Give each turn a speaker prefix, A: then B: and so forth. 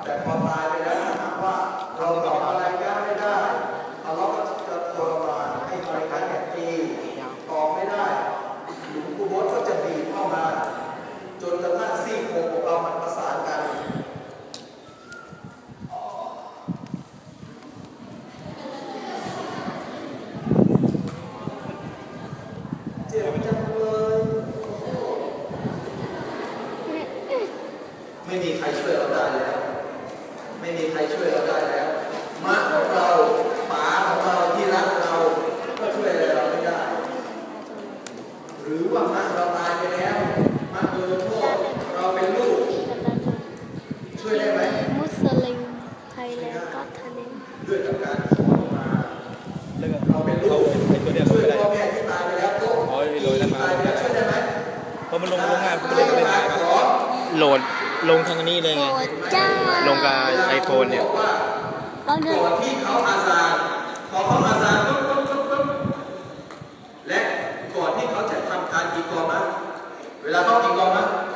A: แต่พอตายไปแล้วถ้าหากว่าเราตอบอะไรก็ไม่ได้อัลลอฮ์ก็จะทรมานให้บริการแก่ตีตอบไม่ได้หลวงปู่โบ๊ทก็จะบีบเข้ามาจนกระทั่งซี่โครงของเรามันประสานกันเจ็บจังเลยไม่มีใครช่วยเราได้แล้วไม่มีใครช่วยเราได้แล้วม้าของเราป๋าของเราที่รักเราก็ช่วยอะไรเราไม่ได้หรือว่าม้าเราตายไปแล้วม้าโดนโทษเราเป็นลูกช่วยได้ไหม
B: มุสลิมไทยแล้วก็ทะเล
A: ด้วยกับการขอมาเราเป็นลูกช่วยพ่อแม่ที่ตายไปแล้วโต๊ะที่ตายไปแล้วช่วยได้ไหม
C: พอมันลงงานมันเล่นไม่ได้โหลดลงทางนี้เลยไงลงกับไอโฟนเนี่ย
A: ก่อนที่เขาอาซานพอเขาอาซานปุ๊บและก่อนที่เขาจะทำการกีกอมะเวลาเขากีกอมะ